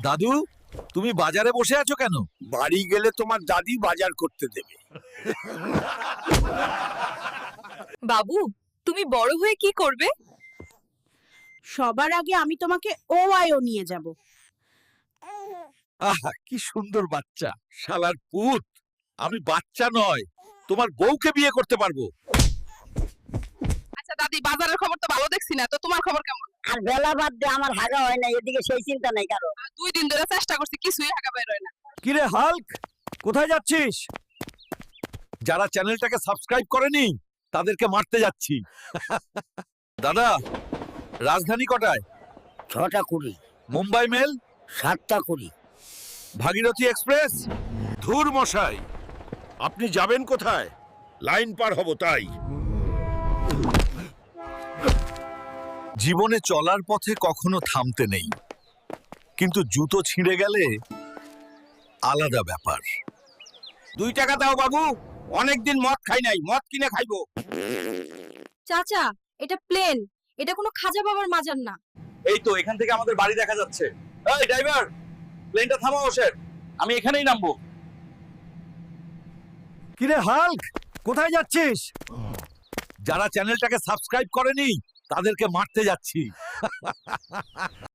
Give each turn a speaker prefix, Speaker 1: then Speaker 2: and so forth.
Speaker 1: দাদু, তুমি বাজারে বসে আছো কেন?
Speaker 2: বাড়ি গেলে তোমার দাদি বাজার করতে দেবে।
Speaker 3: বাবু, তুমি বড় হয়ে কি করবে?
Speaker 4: সবার আগে আমি তোমাকে ওআইও নিয়ে যাব।
Speaker 1: আহা, কি সুন্দর বাচ্চা। শালার পুত, আমি বাচ্চা নয়, তোমার বউকে বিয়ে করতে পারবো।
Speaker 3: আচ্ছা দাদি, বাজারের খবর তো ভালো দেখছি না, তো তোমার খবর কেমন?
Speaker 5: আর বেলা বাদ দিয়ে আমার হাগা হয় না, এদিকে সেই চিন্তা নাই কারো।
Speaker 3: 2 দিন ধরে চেষ্টা করছি, কিছুই হাগা বের হয় না।
Speaker 1: কিরে হাল্ক, কোথায় যাচ্ছিস? যারা চ্যানেলটাকে সাবস্ক্রাইব করেনি তাদেরকে মারতে যাচ্ছি। দাদা, রাজধানী কটায়?
Speaker 5: 6টা 20,
Speaker 1: মুম্বাই মেল,
Speaker 5: 7টা 20।
Speaker 1: ভাগীরথী এক্সপ্রেস।
Speaker 2: ধুর মশাই, আপনি যাবেন কোথায়? লাইন পার হব তাই।
Speaker 1: জীবনে চলার পথে কখনো থামতে নেই, কিন্তু জুতো ছিঁড়ে গেলে আলাদা ব্যাপার।
Speaker 2: 2 টাকা দাও বাবু, অনেকদিন মদ খাই নাই, মদ কিনে খাইবো।
Speaker 3: চাচা, এটা প্লেন, এটা কোনো খাজা বাবার মাজার না।
Speaker 1: এই তো এখান থেকে আমাদের বাড়ি দেখা যাচ্ছে। এই ড্রাইভার, প্লেনটা থামাও ওসের, আমি এখানেই নামবো। কিরে হাল্ক, কোথায় যাচ্ছিস? যারা চ্যানেলটাকে সাবস্ক্রাইব করেনি তাদেরকে মারতে যাচ্ছি।